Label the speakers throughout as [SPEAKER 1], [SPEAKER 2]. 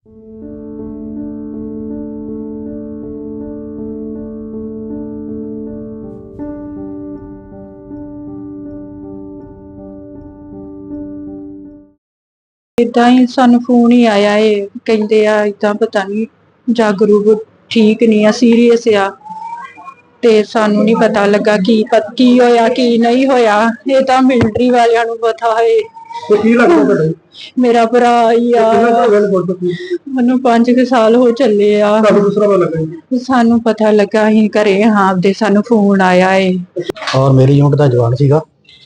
[SPEAKER 1] इदा ही सानू फोन ही आया है, कहते इदा पता नहीं जागरूक ठीक नहीं है, सीरीयस आ ते सानू नहीं पता लगा की होया की नहीं होया। ये तो मिलिटरी वालियां नू पता है। मेरा भरा ही आ, मैनू 5 साल हो चले आ। सानू पता लगा अं घरे हाँ दे सानू फोन आया है।
[SPEAKER 2] और मेरी यूनिट का जवान सीगा।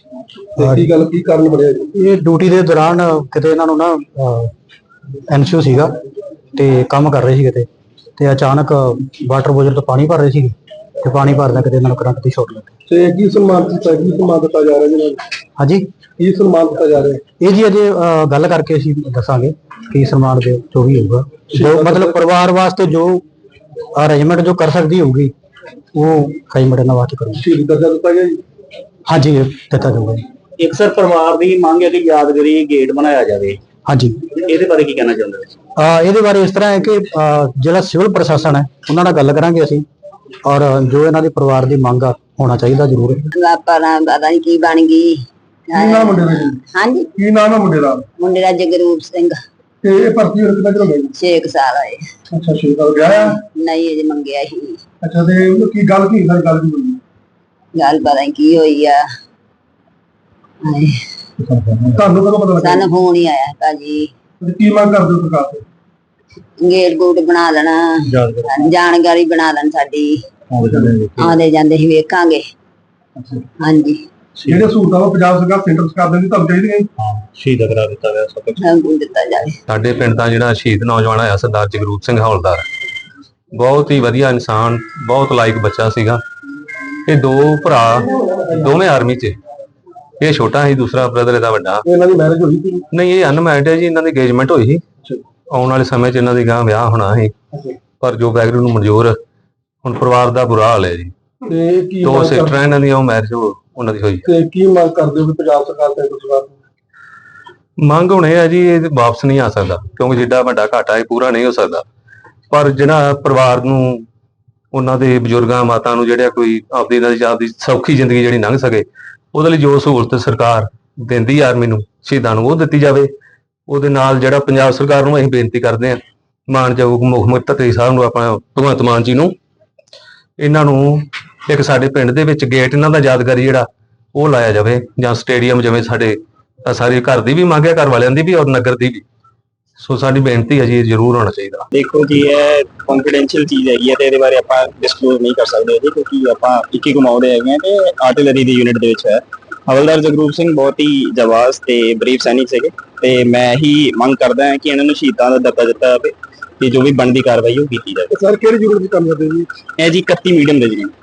[SPEAKER 2] ये ड्यूटी के दौरान किते इन्हां नूं ना एनसीओ सीगा ते काम कर रहे सी किते ते अचानक वाटर बोजर तो पानी भर रहे सी ते पानी भरदा किते इन्हां नूं करंट दी शॉर्ट लग गई।
[SPEAKER 3] ਤੇ ਕੀ ਸਨਮਾਨ ਦਿੱਤਾ ਜਾ ਰਿਹਾ ਜੀ?
[SPEAKER 2] ਹਾਂਜੀ
[SPEAKER 3] ਕੀ ਸਨਮਾਨ ਦਿੱਤਾ ਜਾ ਰਿਹਾ?
[SPEAKER 2] ਇਹ ਜੀ ਅਜੇ ਗੱਲ ਕਰਕੇ ਅਸੀਂ ਦੱਸਾਂਗੇ ਕੀ ਸਨਮਾਨ ਦੇ ਜੋ ਵੀ ਹੋਊਗਾ, ਜੋ ਮਤਲਬ ਪਰਿਵਾਰ ਵਾਸਤੇ ਜੋ ਅਰੇਂਜਮੈਂਟ ਜੋ ਕਰ ਸਕਦੀ ਹੋਊਗੀ ਉਹ ਰੇਂਜਮੈਂਟ ਨਾਲ ਵਾਸਤੇ ਕਰੂਗੀ।
[SPEAKER 3] ਸ਼ਹੀਦ ਦਰਜਾ ਦਿੱਤਾ ਗਿਆ ਜੀ? ਹਾਂਜੀ
[SPEAKER 2] ਦਿੱਤਾ ਜਾਊਗਾ।
[SPEAKER 4] ਇੱਕ ਸਰ ਪਰਿਵਾਰ ਦੀ ਮੰਗ ਹੈ ਕਿ ਯਾਦਗਾਰੀ ਗੇਟ ਬਣਾਇਆ ਜਾਵੇ,
[SPEAKER 2] ਹਾਂਜੀ
[SPEAKER 4] ਇਹਦੇ ਬਾਰੇ ਕੀ ਕਹਿਣਾ ਚਾਹੁੰਦੇ ਹੋ?
[SPEAKER 2] ਇਹਦੇ ਬਾਰੇ ਇਸ ਤਰ੍ਹਾਂ ਹੈ ਕਿ ਜਿਹੜਾ ਸਿਵਲ ਪ੍ਰਸ਼ਾਸਨ ਹੈ ਉਹਨਾਂ ਨਾਲ ਗੱਲ ਕਰਾਂਗੇ ਅਸੀਂ, ਔਰ ਜੋ ਇਹਨਾਂ ਦੇ ਪਰਿਵਾਰ ਦੀ ਮੰਗ ਆ ਹੋਣਾ ਚਾਹੀਦਾ ਜ਼ਰੂਰ।
[SPEAKER 5] ਪਤਾ ਨਹੀਂ ਕੀ ਬਣ ਗਈ।
[SPEAKER 3] ਕੀ ਨਾਮ ਮੁੰਡੇ ਦਾ ਜੀ?
[SPEAKER 5] ਹਾਂਜੀ
[SPEAKER 3] ਕੀ ਨਾਮ ਹੈ ਮੁੰਡੇ ਦਾ?
[SPEAKER 5] ਮੁੰਡੇ ਦਾ ਜਗਰੂਪ ਸਿੰਘ।
[SPEAKER 3] ਤੇ ਇਹ ਭਰਤੀ ਹੋਣ ਕਿੰਨਾ ਚਿਰ ਹੋ ਗਿਆ ਜੀ?
[SPEAKER 5] 6 ਸਾਲ ਹੋਏ।
[SPEAKER 3] ਅੱਛਾ 6 ਸਾਲ ਗਿਆ ਆ?
[SPEAKER 5] ਨਹੀਂ ਅਜੇ ਮੰਗਿਆ ਹੀ।
[SPEAKER 3] ਅੱਛਾ ਤੇ ਉਹ ਕੀ ਗੱਲ ਕੀ ਸਾਰੀ ਗੱਲ ਕੀ ਹੋਈ?
[SPEAKER 5] ਗੱਲ ਪਤਾ ਨਹੀਂ ਕੀ ਹੋਈ ਆ।
[SPEAKER 3] ਤੁਹਾਨੂੰ ਕਦੋਂ ਪਤਾ ਲੱਗਾ?
[SPEAKER 5] ਸਾਨੂੰ ਫੋਨ ਹੀ ਆਇਆ ਭਾਜੀ।
[SPEAKER 3] ਤੇ ਕੀ ਮੰਗ ਕਰਦੇ ਹੋ ਸਰਕਾਰ ਤੋਂ?
[SPEAKER 5] ਗੇਟ ਗੂਟ ਬਣਾ ਦੇਣਾ, ਜਾਣਕਾਰੀ ਬਣਾ ਦੇਣ ਸਾਡੀ, ਆਉਂਦੇ ਜਾਂਦੇ ਹੀ ਵੇਖਾਂਗੇ। ਹਾਂਜੀ
[SPEAKER 3] ਜਿਹੜੇ ਸਹੂਲਤਾਂ ਉਹ ਪੰਜਾਬ ਸਰਕਾਰ ਸੈਂਟਰ ਸਰਕਾਰ ਦੇ ਤੁਹਾਨੂੰ ਚਾਹੀਦੀਆਂ ਜੀ?
[SPEAKER 4] ਸ਼ਹੀਦ ਕਰਾ ਦਿੱਤਾ ਗਿਆ ਸਭ ਕੁਝ
[SPEAKER 5] ਸਾਨੂੰ ਦਿੱਤਾ ਜਾਵੇ।
[SPEAKER 6] ਸਾਡੇ ਪਿੰਡ ਦਾ ਜਿਹੜਾ ਸ਼ਹੀਦ ਨੌਜਵਾਨ ਆਇਆ ਸਰਦਾਰ ਜਗਰੂਪ ਸਿੰਘ ਹੌਲਦਾਰ, ਬਹੁਤ ਹੀ ਵਧੀਆ ਇਨਸਾਨ, ਬਹੁਤ ਲਾਇਕ ਬੱਚਾ ਸੀਗਾ। ਇਹ ਦੋ ਭਰਾ ਦੋਵੇਂ ਆਰਮੀ 'ਚ, ਇਹ ਛੋਟਾ ਸੀ, ਦੂਸਰਾ ਬ੍ਰਦਰ ਇਹਦਾ ਵੱਡਾ।
[SPEAKER 3] ਇਹਨਾਂ ਦੀ ਮੈਰਿਜ ਹੋਈ ਸੀ?
[SPEAKER 6] ਨਹੀਂ, ਇਹ ਅਨਮੈਰਿਡ ਹੈ ਜੀ। ਇਹਨਾਂ ਦੀ ਇੰਗੇਜਮੈਂਟ ਹੋਈ ਸੀ, ਆਉਣ ਵਾਲੇ ਸਮੇਂ 'ਚ ਇਹਨਾਂ ਦੀ ਗਾਂ ਵਿਆਹ ਹੋਣਾ ਸੀ, ਪਰ ਜੋ ਵਾਹਿਗੁਰੂ ਨੂੰ ਮਨਜ਼ੂਰ। ਹੁਣ ਪਰਿਵਾਰ ਦਾ ਬੁਰਾ ਹਾਲ ਹੈ ਜੀ।
[SPEAKER 3] ਤੇ ਕੀ
[SPEAKER 6] 2 ਸਿਸਟਰਾਂ ਇਹਨਾਂ ਦੀਆਂ, ਉਹ ਮੈਰਿਜ ਉਹਨਾਂ ਦੀ ਹੋਈ।
[SPEAKER 3] ਤੇ ਕੀ ਮੰਗ ਕਰਦੇ ਹੋ ਕਿ ਪੰਜਾਬ ਸਰਕਾਰ ਤੇ ਸਰਕਾਰ
[SPEAKER 6] ਮੰਗ ਹੁਣ ਇਹ ਹੈ ਜੀ, ਇਹ ਵਾਪਸ ਨਹੀਂ ਆ ਸਕਦਾ ਕਿਉਂਕਿ ਜਿੱਡਾ ਵੱਡਾ ਘਾਟਾ ਇਹ ਪੂਰਾ ਨਹੀਂ ਹੋ ਸਕਦਾ। ਪਰ ਜਿਹੜਾ ਪਰਿਵਾਰ ਨੂੰ, ਉਹਨਾਂ ਦੇ ਬਜ਼ੁਰਗਾਂ ਮਾਤਾ ਨੂੰ ਜਿਹੜਾ ਕੋਈ ਆਪਦੀ ਸੌਖੀ ਜ਼ਿੰਦਗੀ ਜਿਹੜੀ ਲੰਘ ਸਕੇ, ਉਹਦੇ ਲਈ ਜੋ ਸਹੂਲਤ ਸਰਕਾਰ ਦਿੰਦੀ ਆਰਮੀ ਨੂੰ, ਸ਼ਹੀਦਾਂ ਨੂੰ, ਉਹ ਦਿੱਤੀ ਜਾਵੇ। ਉਹਦੇ ਨਾਲ ਜਿਹੜਾ ਪੰਜਾਬ ਸਰਕਾਰ ਨੂੰ ਅਸੀਂ ਬੇਨਤੀ ਕਰਦੇ ਹਾਂ, ਮਾਨਯੋਗ ਮੁੱਖ ਮੰਤਰੀ ਸਾਹਿਬ ਨੂੰ, ਆਪਣਾ ਭਗਵੰਤ ਮਾਨ ਜੀ ਨੂੰ, ਇਹਨਾਂ ਨੂੰ ਇੱਕ ਸਾਡੇ ਪਿੰਡ ਦੇ ਵਿੱਚ ਗੇਟ ਇਹਨਾਂ ਦਾ ਯਾਦਗਾਰੀ ਜਿਹੜਾ ਉਹ ਲਾਇਆ ਜਾਵੇ, ਜਾਂ ਸਟੇਡੀਅਮ, ਜਿਵੇਂ ਸਾਡੇ ਸਾਰੇ ਘਰ ਦੀ ਵੀ ਮੰਗ ਹੈ, ਘਰ ਵਾਲਿਆਂ ਦੀ ਵੀ ਔਰ ਨਗਰ ਦੀ ਵੀ। ਸੋ ਸਾਡੀ ਬੇਨਤੀ ਹੈ ਜੀ, ਇਹ ਜ਼ਰੂਰ ਹੋਣਾ ਚਾਹੀਦਾ।
[SPEAKER 4] ਦੇਖੋ ਜੀ, ਇਹ ਕੰਫੀਡੈਂਸ਼ੀਅਲ ਚੀਜ਼ ਹੈਗੀ ਹੈ ਤੇ ਇਹਦੇ ਬਾਰੇ ਆਪਾਂ ਡਿਸਕਲੋਜ਼ ਨਹੀਂ ਕਰ ਸਕਦੇ ਜੀ, ਕਿਉਂਕਿ ਆਪਾਂ ਇੱਕ ਹੀ ਕਮਾਉਂਦੇ ਹੈਗੇ ਤੇ ਆਰਟਿਲਰੀ ਦੀ ਯੂਨਿਟ ਦੇ ਵਿੱਚ ਹੈ। ਹਵਲਦਾਰ ਜਗਰੂਪ ਸਿੰਘ ਬਹੁਤ ਹੀ ਜਾਬਾਜ਼ ਤੇ ਬਰੀਵ ਸੈਨਿਕ ਸੀਗੇ, ਤੇ ਮੈਂ ਹੀ ਮੰਗ ਕਰਦਾ ਹਾਂ ਕਿ ਇਹਨਾਂ ਨੂੰ ਸ਼ਹੀਦਾਂ ਦਾ ਦਰਜਾ ਦਿੱਤਾ ਜਾਵੇ ਤੇ ਜੋ ਵੀ ਬਣਦੀ ਕਾਰਵਾਈ ਉਹ ਕੀਤੀ ਜਾਵੇ।
[SPEAKER 3] ਸਰ ਕਿਹੜੀ ਯੂਨਿਟ ਦੀ ਕੰਮ ਕਰਦੇ ਜੀ?
[SPEAKER 4] ਇਹ ਜੀ 31 ਮੀਡੀਅਮ ਦੇ ਜੀ।